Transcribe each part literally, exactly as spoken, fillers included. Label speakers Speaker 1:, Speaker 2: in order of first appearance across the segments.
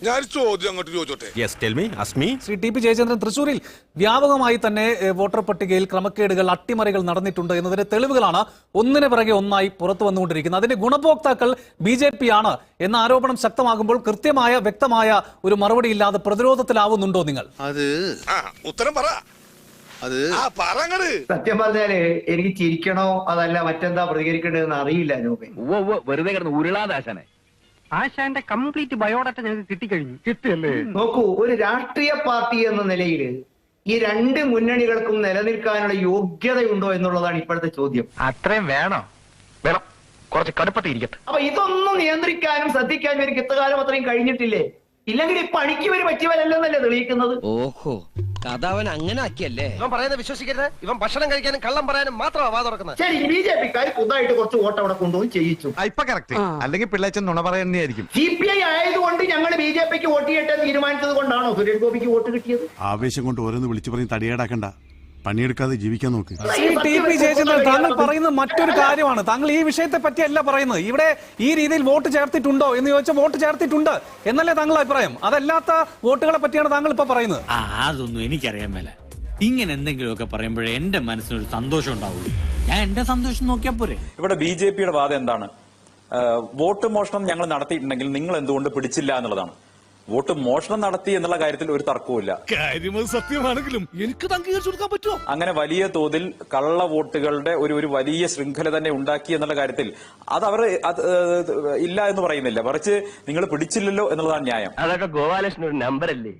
Speaker 1: ഞാൻ ചോദ്യം അങ്ങോട്ട് ചോദിച്ചോട്ടെ.
Speaker 2: Yes tell me Asmi.
Speaker 3: Shri T P Jayachandran, തൃശൂരിൽ വ്യാപകമായി തന്നെ വോട്ടർ പട്ടികയിൽ ക്രമക്കേടുകൾ, അട്ടിമറികൾ നടന്നിട്ടുണ്ട് എന്നതിന്റെ തെളിവുകളാണ് ഒന്നിന് പിറകെ ഒന്നായി പുറത്തു വന്നുകൊണ്ടിരിക്കുന്നത്. അതിന്റെ ഗുണഭോക്താക്കൾ ബി ജെ പി ആണ് എന്ന ആരോപണം ശക്തമാകുമ്പോൾ കൃത്യമായ വ്യക്തമായ ഒരു മറുപടി ഇല്ലാതെ പ്രതിരോധത്തിലാവുന്നുണ്ടോ നിങ്ങൾ?
Speaker 1: അത് ഉത്തരം പറ. അത്
Speaker 4: സത്യം പറഞ്ഞാല് എനിക്ക് ചിരിക്കണോ അതല്ല മറ്റെന്താ പ്രതികരിക്കേണ്ടതെന്ന് അറിയില്ല.
Speaker 5: വെറുതെ കിടന്ന് ഉരുളാദാശനെ ആശാന്റെ കംപ്ലീറ്റ് ബയോഡാറ്റ ഞങ്ങൾക്ക് കിട്ടിക്കഴിഞ്ഞു. കിട്ടിയല്ലേ?
Speaker 4: നോക്കൂ, ഒരു രാഷ്ട്രീയ പാർട്ടി എന്ന നിലയിൽ ഈ രണ്ട് മുന്നണികൾക്കും നിലനിൽക്കാനുള്ള യോഗ്യതയുണ്ടോ എന്നുള്ളതാണ് ഇപ്പോഴത്തെ ചോദ്യം.
Speaker 5: അത്രയും വേണോ? വേണം, കുറച്ച് കടുപ്പത്തിൽ ഇരിക്കട്ടെ.
Speaker 4: അപ്പൊ ഇതൊന്നും നിയന്ത്രിക്കാനും ശ്രദ്ധിക്കാനും എനിക്ക് ഇത്തകാലം അത്രയും കഴിഞ്ഞിട്ടില്ലേ? ഇല്ലെങ്കിൽ ഈ പണിക്ക് വരും പറ്റിയവരല്ലെന്നല്ലേ തെളിയിക്കുന്നത്?
Speaker 6: ഓഹോ, കഥ അവൻ അങ്ങനെ ആക്കിയല്ലേ?
Speaker 7: ഇവൻ പറയുന്നത് വിശ്വസിക്കരുത്. ഇവൻ ഭക്ഷണം കഴിക്കാനും കള്ളം പറയാനും മാത്രമാണ് വാ തുറക്കുന്നത്.
Speaker 4: ശരി, ബി ജെ പിക്കാർ പുതുതായിട്ട് കുറച്ച് വോട്ട് അവിടെ കൊണ്ടുപോയി ചെയ്യിച്ചു.
Speaker 8: ഇപ്പൊ കറക്റ്റ്. അല്ലെങ്കിൽ പിള്ളേച്ചൻ നുണ പറയുന്നതായിരിക്കും.
Speaker 4: സി പി ഐ ആയതുകൊണ്ട് ഞങ്ങൾ ബി ജെ പിക്ക് വോട്ട് ചെയ്യട്ടെ തീരുമാനിച്ചത് കൊണ്ടാണോ സുരേഷ് ഗോപിക്ക് വോട്ട് കിട്ടിയത്?
Speaker 8: ആവേശം കൊണ്ട് ഓരോന്ന് വിളിച്ചു പറഞ്ഞ് തടിയേടാക്കണ്ട, പണിയെടുക്കാതെ ജീവിക്കാൻ നോക്ക്.
Speaker 3: ശ്രീ ടി പി ജയചന്ദ്രൻ, താങ്കൾ പറയുന്നത് മറ്റൊരു കാര്യമാണ്. താങ്കൾ ഈ വിഷയത്തെ പറ്റിയല്ല പറയുന്നത്. ഇവിടെ ഈ രീതിയിൽ വോട്ട് ചേർത്തിട്ടുണ്ടോ എന്ന് ചോദിച്ചാൽ വോട്ട് ചേർത്തിട്ടുണ്ട് എന്നല്ലേ താങ്കളുടെ അഭിപ്രായം? അതല്ലാത്ത വോട്ടുകളെ പറ്റിയാണ് താങ്കൾ ഇപ്പൊ പറയുന്നത്.
Speaker 9: ആ അതൊന്നും എനിക്കറിയാൻ മേല. ഇങ്ങനെ എന്തെങ്കിലുമൊക്കെ പറയുമ്പോഴേ എന്റെ മനസ്സിനൊരു സന്തോഷം ഉണ്ടാവുള്ളൂ. ഞാൻ എന്റെ സന്തോഷം നോക്കിയാ പോരെ.
Speaker 10: ഇവിടെ ബി ജെ പിയുടെ വാദം എന്താണ്? വോട്ട് മോഷണം ഞങ്ങൾ നടത്തിയിട്ടുണ്ടെങ്കിൽ നിങ്ങൾ എന്തുകൊണ്ട് പിടിച്ചില്ല എന്നുള്ളതാണ്. വോട്ട് മോഷണം നടത്തി എന്നുള്ള കാര്യത്തിൽ ഒരു തർക്കവുമില്ല.
Speaker 1: സത്യമാണെങ്കിലും എനിക്ക് അംഗീകരിച്ചു കൊടുക്കാൻ പറ്റുമോ?
Speaker 10: അങ്ങനെ വലിയ തോതിൽ കള്ള വോട്ടുകളുടെ ഒരു ഒരു വലിയ ശൃംഖല തന്നെ ഉണ്ടാക്കി എന്നുള്ള കാര്യത്തിൽ അത് അവർ ഇല്ല എന്ന് പറയുന്നില്ല. മറിച്ച് നിങ്ങൾ പിടിച്ചില്ലല്ലോ എന്നുള്ളതാണ് ന്യായം.
Speaker 5: അതൊക്കെ ഗോപാലകൃഷ്ണൻ ഒരു നമ്പർ അല്ലേ?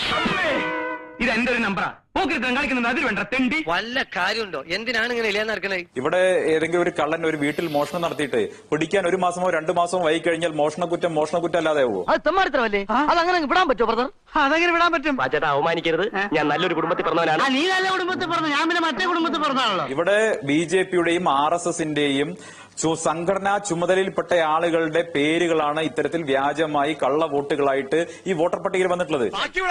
Speaker 5: ഇത് എന്റെ ഒരു നമ്പറാ. കളിക്കുന്നത് അതിൽ വേണ്ട തെണ്ടി.
Speaker 6: വല്ല കാര്യമുണ്ടോ? എന്തിനാണ് ഇങ്ങനെ ഇല്ലാന്ന് നടക്കണേ?
Speaker 10: ഇവിടെ ഏതെങ്കിലും ഒരു കള്ളൻ ഒരു വീട്ടിൽ മോഷണം നടത്തിയിട്ട് പിടിക്കാൻ ഒരു മാസമോ രണ്ടു മാസമോ വൈകി കഴിഞ്ഞാൽ മോഷണക്കുറ്റം മോഷണക്കുറ്റം അല്ലാതെ ആവുമോ?
Speaker 6: അത് തെമ്മാടിത്തരമല്ലേ? അതങ്ങനെ വിടാൻ പറ്റുമോ ബ്രദർ?
Speaker 5: അതെങ്ങനെ വിടാൻ പറ്റും? ചേട്ടാ, അവമാനിക്കരുത്. ഞാൻ നല്ലൊരു കുടുംബത്തിൽ പറഞ്ഞവനാണ്.
Speaker 6: നീ നല്ല കുടുംബത്തിൽ പറഞ്ഞു, ഞാൻ പിന്നെ മറ്റേ കുടുംബത്തിൽ പറഞ്ഞാണല്ലോ.
Speaker 10: ഇവിടെ ബി ജെ പിയുടെയും ആർ എസ് എസിന്റെയും സംഘടനാ ചുമതലയിൽപ്പെട്ട ആളുകളുടെ പേരുകളാണ് ഇത്തരത്തിൽ വ്യാജമായി കള്ള വോട്ടുകളായിട്ട് ഈ വോട്ടർ പട്ടികയിൽ വന്നിട്ടുള്ളത്.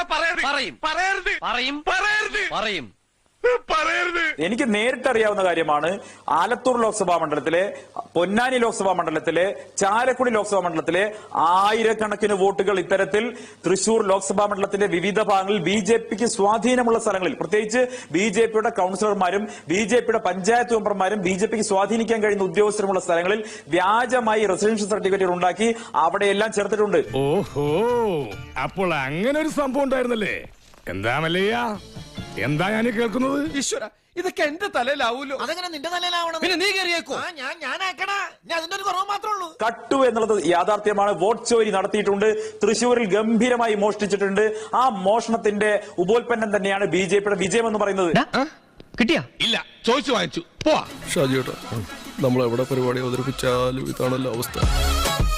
Speaker 10: എനിക്ക് നേരിട്ട് അറിയാവുന്ന കാര്യമാണ്. ആലത്തൂർ ലോക്സഭാ മണ്ഡലത്തിലെ, പൊന്നാനി ലോക്സഭാ മണ്ഡലത്തിലെ, ചാലക്കുടി ലോക്സഭാ മണ്ഡലത്തിലെ ആയിരക്കണക്കിന് വോട്ടുകൾ ഇത്തരത്തിൽ തൃശൂർ ലോക്സഭാ മണ്ഡലത്തിന്റെ വിവിധ ഭാഗങ്ങളിൽ ബി ജെ പിക്ക് സ്വാധീനമുള്ള സ്ഥലങ്ങളിൽ, പ്രത്യേകിച്ച് ബി ജെ പിയുടെ കൌൺസിലർമാരും ബി ജെ പിയുടെ പഞ്ചായത്ത് മെമ്പർമാരും ബി ജെ പിക്ക് സ്വാധീനിക്കാൻ കഴിയുന്ന ഉദ്യോഗസ്ഥരുമുള്ള സ്ഥലങ്ങളിൽ വ്യാജമായി റെസിഡൻഷ്യൽ സർട്ടിഫിക്കറ്റുകൾ ഉണ്ടാക്കി അവിടെയെല്ലാം ചേർത്തിട്ടുണ്ട്.
Speaker 1: ഓഹോ, അപ്പോൾ അങ്ങനെ ഒരു സംഭവം ഉണ്ടായിരുന്നല്ലേ? എന്താ മല്ലയ്യ, എന്താ ഞാൻ കേൾക്കുന്നത്?
Speaker 7: ഈശ്വര, ഇതൊക്കെ എന്റെ തലയിലാവൂലോ? അതെങ്ങനെ നിന്റെ തലയിലാവണം? പിന്നെ നീ കയറിയേക്കോ? ഞാൻ ഞാനാക്കണ, ഞാൻ അതിന്റെ ഒരു കുറവ് മാത്രമേ ഉള്ളൂ.
Speaker 10: കട്ടു എന്നുള്ളത് യാഥാർത്ഥ്യമാണ്. വോട്ട് ചോരി നടത്തിയിട്ടുണ്ട്. തൃശ്ശൂരിൽ ഗംഭീരമായി മോഷ്ടിച്ചിട്ടുണ്ട്. ആ മോഷണത്തിന്റെ ഉപോൽപ്പന്നം തന്നെയാണ് ബി ജെ പിയുടെ വിജയം എന്ന് പറയുന്നത്.
Speaker 6: കിട്ടിയാ?
Speaker 1: ഇല്ല, ചോദിച്ചു വാങ്ങിച്ചു. പോവാ ഷാജിയേട്ടാ, നമ്മൾ എവിടെ പരിപാടി അവതരിപ്പിച്ചാലും ഇതാണല്ലോ അവസ്ഥ.